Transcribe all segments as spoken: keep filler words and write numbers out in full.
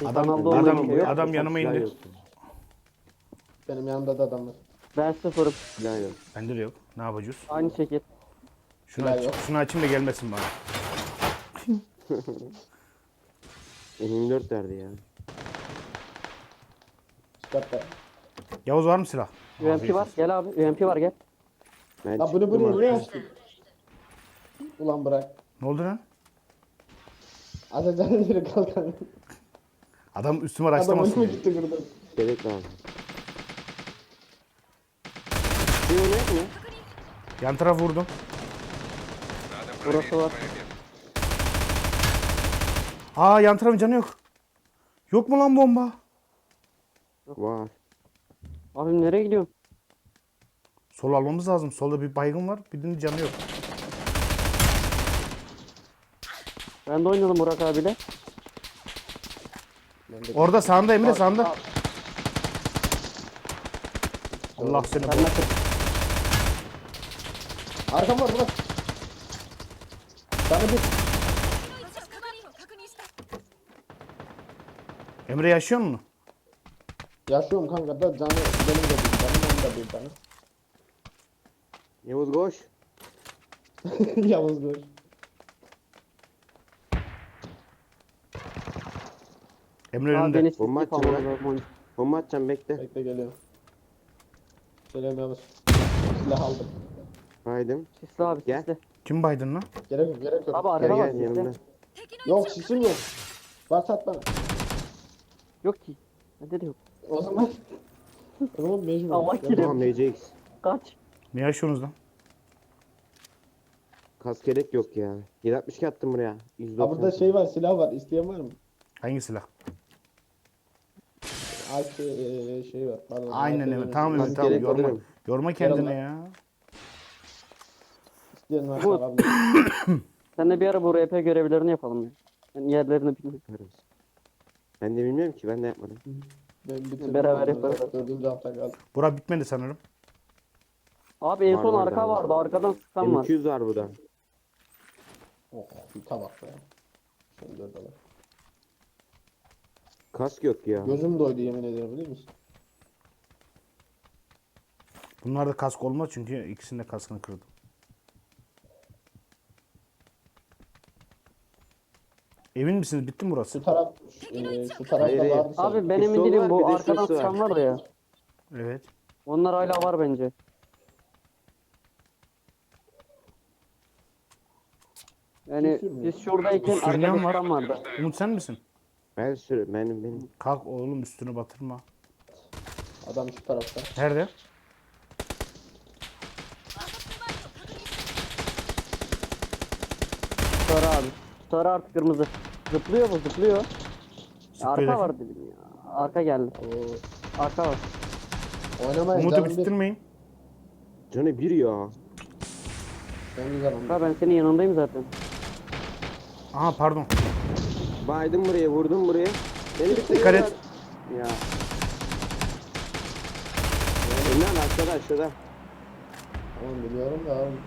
Adam Kanalda olmayan adam şey yok. adam yanıma Silah indi. yok. Benim yanımda da adam var. Ben sıfırım. Silah yok. Bende de yok. Ne yapacağız? Aynı şekil. Şunu Silah aç, yok. şunu açayım da gelmesin bana. M yirmi dört verdi ya. Çıkartlar. Yavuz var mı silah? U M P var. Gel abi. U M P var gel. Ben Ya bunu çıktım bunu niye artık. açtın? Ulan bırak. Ne oldu lan? Atacanın yeri kalkan. Adam üstüme Adam araçlamasın önüme diye. gitti burada. Gerek lazım. Bir örnek mi? Yan taraf vurdum. Burası var. Aa yan tarafın canı yok. Yok mu lan bomba? Var. Abim nereye gidiyorsun? Sol almamız lazım. Solda bir baygın var. Birinin canı yok. Ben de oynadım Burak abiyle. Orada sağında Emre sağında. Allah seni Ben bol. de Arkam var bırak. Sana bir. Emre yaşıyor mu? Yaşıyorum kanka da canı benim de bir tane. Benim de bir tane. Yavuz koş. Yalnız dur. Emre Abi önünde. beni Bomba sikip atacağım almalı lan. lazım oyun. Bomba atacağım bekle. Bekle geliyor. Selam Yavuz. Silah aldım. Haydim. Sisli abi Gel. sisli. Kim baydın lan? Gerek yok gerek yok. Abi Gel arka var gel yanımda. sisli. Yok şişim yok. Varsa at bana. Yok ki. Bende de yok. O zaman. O zaman mecbur. Allah Yapma. kirim. Tamam M C X. Kaç. Ne yaşıyorsunuz lan? Kas gerek yok ya. yedi altmış iki attım buraya. yüz Ha doksan. burada şey var silah var. İsteyen var mı? Hangi silah? Alt e, şey var. Pardon. Aynen alt, Emre. e, Tamam Emre Kas tamam. gerek Yorma, alırım. yorma kendine Yarın- ya. İsteyen var. Bu- Abi. Sen de bir ara bu R P görevlerini yapalım ya. Ben yerlerini bilmiyorum. Yaparız. Ben de bilmiyorum ki ben de yapmadım. Ben bitirdim. Beraber onları. yaparız. Dördüncü hafta kaldı. Bura bitmedi sanırım. Abi en Var, son var, arka var. vardı. Arkadan sıkan var. M iki yüz var burada. Oh bir tabak be. Şöyle dört alır. Kask yok ya. Gözüm doydu yemin ediyorum biliyor musun? Bunlarda kask olmaz çünkü ikisinin de kaskını kırdım. Emin misiniz? Bitti mi burası? Şu taraf e, şu tarafta Hayır, hayır. vardı sanki. Abi ben Bir emin sol değilim var, bu bir de arkadan şurası var. sıkan vardı ya. Evet. Onlar hala var bence. Yani Kim sürmüyor? biz şuradayken Sürünen arkada var. sıkan vardı. Umut sen misin? Ben sürü benim benim. Kalk oğlum üstünü batırma. Adam şu tarafta. Nerede? Sarı abi. Sarı artık kırmızı. Zıplıyor mu? Zıplıyor. Zıplıyor Arka derken? var dedim ya. Arka geldi. Oo. Arka var. Oynamayın Umut'u canım bir. bitirmeyin. Canı bir ya. Ben güzel oynadım. Ha ben senin yanındayım zaten. Aha pardon. Baydım buraya vurdum buraya. Beni Dikkat bitiriyorlar. et. Ya. Lan aşağıda aşağıda. Tamam biliyorum da abi.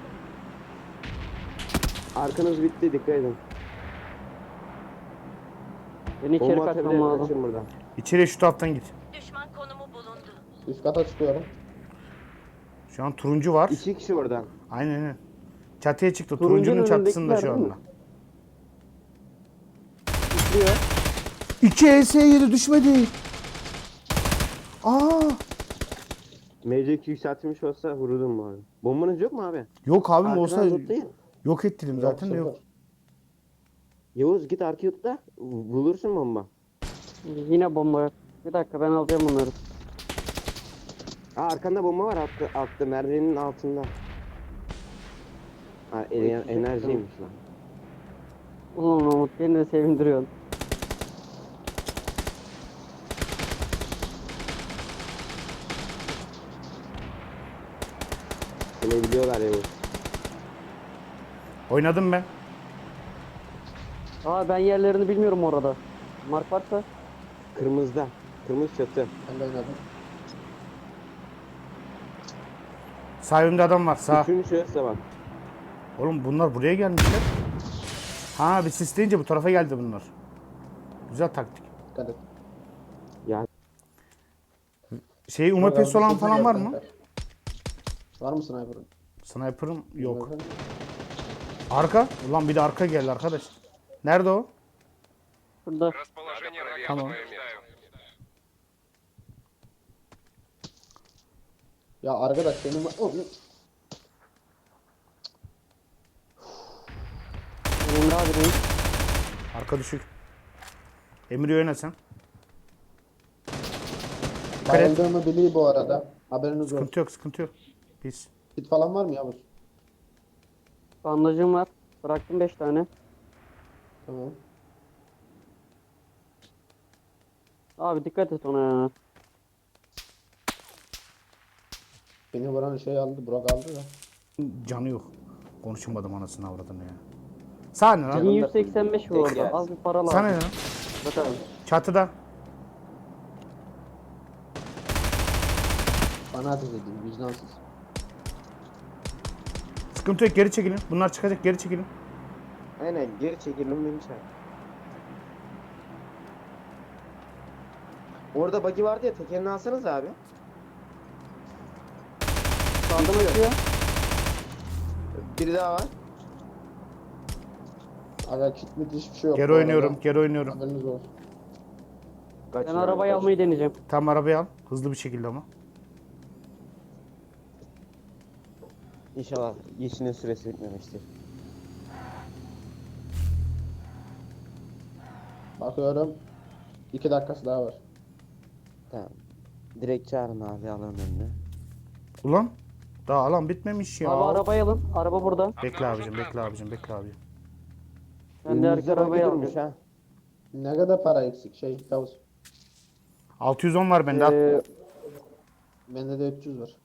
Arkanız bitti dikkat edin. Beni içeri Bomba kaçmam atabilir lazım. kaçın buradan. İçeriye şu taraftan git. Düşman konumu bulundu. Üst kata çıkıyorum. Şu an turuncu var. İki kişi oradan. Aynen aynen. Çatıya çıktı. Turuncunun Turuncunun çatısında önündekiler şu değil mi? anda. Zıplıyor. iki E S yedi düşmedi. Aa! M C iki yükseltilmiş olsa vururdum bu arada. Bombanız yok mu abi? Yok abim Arkadan olsa zıplayın. yok ettim zaten de yok. sıfır. Yavuz git arkaya tut da bulursun bomba. Yine bomba yok. Bir dakika ben alacağım bunları. Aa arkanda bomba var altta, altta merdivenin altında. Ha ener- enerjiymiş lan. Ulan Umut beni de sevindiriyorsun. Seni biliyorlar Yavuz. Oynadım ben. Aa ben yerlerini bilmiyorum orada. Mark varsa. Kırmızıda. Kırmızı çatı. Ben de oynadım. Sağ önümde adam var sağ. Üçüncü şurası bak. Oğlum bunlar buraya gelmişler. Ha bir sisleyince bu tarafa geldi bunlar. Güzel taktik. Dikkat et. Şey U M P'si olan falan var mı? Var mı sniper'ın? Sniper'ım yok. Arka? Ulan bir de arka geldi arkadaş. Nerede o? Burada. Расположение врага Tamam. подтверждаю. Ya arkadaş senin... Oh, Emre abi reis. Arka düşük. Emri yönet sen. Dikkat et. bayıldığımı biliyor bu arada. Haberiniz olsun. Sıkıntı yok, sıkıntı yok. Pis. Kit falan var mı Yavuz? Bandajım var. Bıraktım beş tane. Tamam. Abi dikkat et ona ya. Beni vuran şey aldı, Burak aldı da. Canı yok. Konuşamadım anasını avradını ya. Sahne lan. bin yüz seksen beş bu orada. Az bir para lazım. Sana ne lan? Bakalım. Çatıda. Bana ateş edeyim, vicdansız. Sıkıntı yok, geri çekilin. Bunlar çıkacak, geri çekilin. Aynen geri çekilin beni çağır. Orada buggy vardı ya, tekerini alsanız abi. Sağdan açıyor. Biri daha var. Aga kit mit hiçbir şey yok. Geri bu oynuyorum, arada. geri oynuyorum. Haberiniz olsun. Ben Kaçın arabayı abi, almayı deneyeceğim. Tam arabayı al. Hızlı bir şekilde ama. kaçın. İnşallah yeşilin süresi bitmemiştir. Bakıyorum. İki dakikası daha var. Tamam. Direkt çağırın abi alanın önüne. Ulan. Daha alan bitmemiş ya. Abi arabayı alın. Araba burada. Bekle abicim, bekle abicim, bekle abicim. Ben de arka arabayı durmuş alacağım. ha. Ne kadar para eksik şey Yavuz? altı yüz on var bende. al. Ee, Bende de üç yüz var.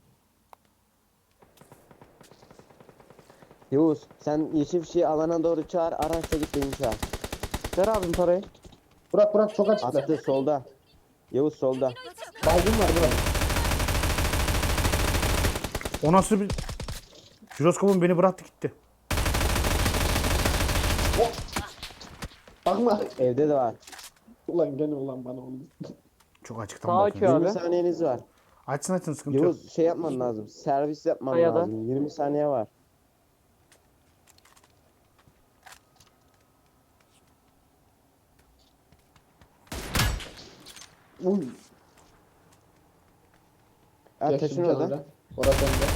Yavuz sen yeşil fişeği alana doğru çağır, araçla git beni çağır. ver abim parayı. Burak Burak çok açıkta. Attı solda. Yavuz solda. Baygın var Burak. O nasıl bir... Jiroskopum beni bıraktı gitti. Bakma. Evde de var. Ulan gene ulan bana oldu. Çok açıktan Sağ bakıyorum. açıyor abi. yirmi saniyeniz var. Açsın açsın, sıkıntı yok. Yavuz şey yapman lazım. Servis yapman Kayada. lazım. yirmi saniye var. Uy. Ha, Geçtim taşın orada. kenara. Orası bende.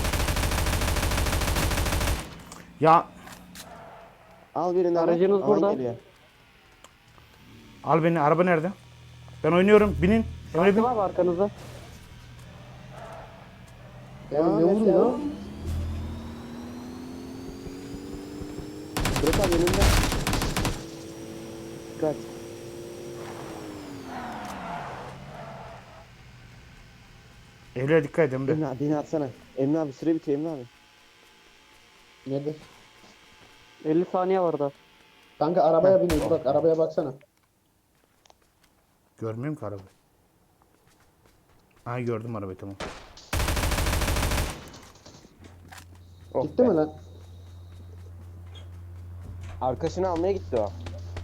Ya Al birini ara. Aracınız Alan burada. geliyor. al beni, araba nerede? Ben oynuyorum, binin. Emre bin. Arka var mı arkanızda? Ya Aa, ne vuruyor? Bırak abi önünde. Dikkat. Evlere dikkat et Emre. Emre abi beni atsana. Emre abi süre bitiyor Emre abi. Nerede? elli saniye var da. Kanka arabaya biniyor Burak, arabaya baksana. Görmüyorum ki arabayı. Ha gördüm arabayı, tamam. Oh Gitti be. mi lan? Arkasını almaya gitti o.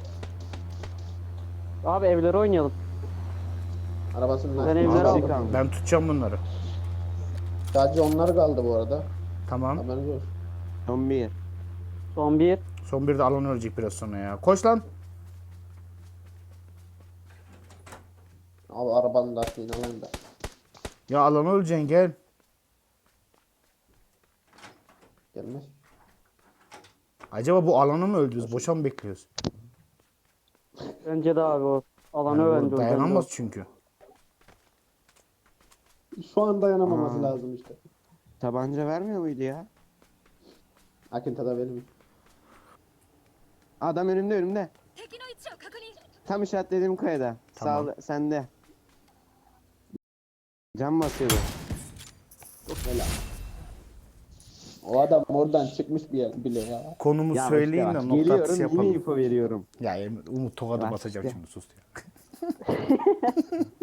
Abi evlere oynayalım. Arabasının Ben lastiğini evlere aldı. aldım. kaldı. Ben tutacağım bunları. Sadece onlar kaldı bu arada. Tamam. Haberiniz olsun. Son bir. Son bir. Son bir de alan ölecek biraz sonra ya. Koş lan. Abi arabanın lastiğini alayım da. Ya alan öleceksin, gel. Gelmez. Acaba bu alanı mı öldürüyoruz? Boşa mı bekliyoruz? Bence de abi o. Alanı Yani bu öğrendi. dayanamaz çünkü. Şu an dayanamaması Aa. lazım işte. Tabanca vermiyor muydu ya? Akintada benim. Adam önümde önümde. 敵の位置を確認 Tam işaretlediğim kayada. Tamam. Sağ sende. Cam basıyordu. O adam oradan çıkmış bir yer bile ya. Konumu Yavaş söyleyin yavaş. de nokta Geliyorum atışı yine yapalım. info veriyorum. Ya Emre, Umut tokadı Yavaş basacak işte. şimdi, sus ya.